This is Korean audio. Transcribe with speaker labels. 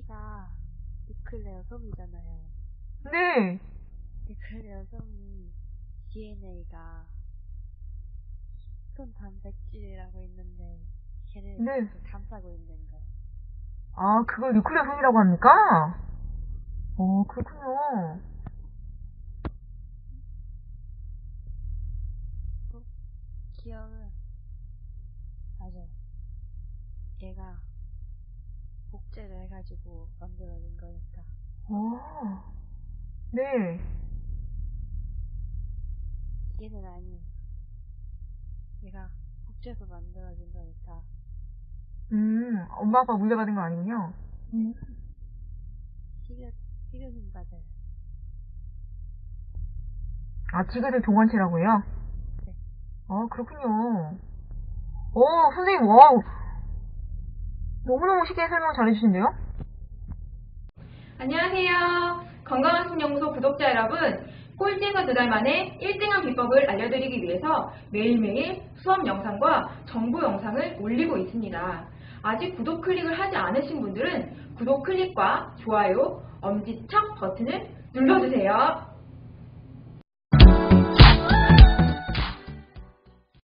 Speaker 1: 여기가 뉴클레어 섬이잖아요.
Speaker 2: 네,
Speaker 1: 뉴클레어 섬이 DNA가 손 단백질이라고 있는데 걔를
Speaker 2: 네.
Speaker 1: 감싸고 있는 거.
Speaker 2: 아, 그걸 뉴클레어 섬이라고 합니까? 그렇군요.
Speaker 1: 또 기억은 맞아요. 얘가 복제를 해가지고 만들어진 거니까.
Speaker 2: 어, 네.
Speaker 1: 얘는 아니에요. 얘가 복제해서 만들어진 거니까.
Speaker 2: 엄마 아빠 물려받은 건 아니군요.
Speaker 1: 티귿, 티귿은 맞아요.
Speaker 2: 아, 지그들 동원체라고요?
Speaker 1: 네.
Speaker 2: 그렇군요. 선생님, 와우. 너무너무 쉽게 설명 잘해주신데요?
Speaker 3: 안녕하세요. 건강학습연구소 구독자 여러분, 꼴찌에서 2달 만에 1등한 비법을 알려드리기 위해서 매일매일 수업 영상과 정보 영상을 올리고 있습니다. 아직 구독 클릭을 하지 않으신 분들은 구독 클릭과 좋아요, 엄지척 버튼을 눌러주세요.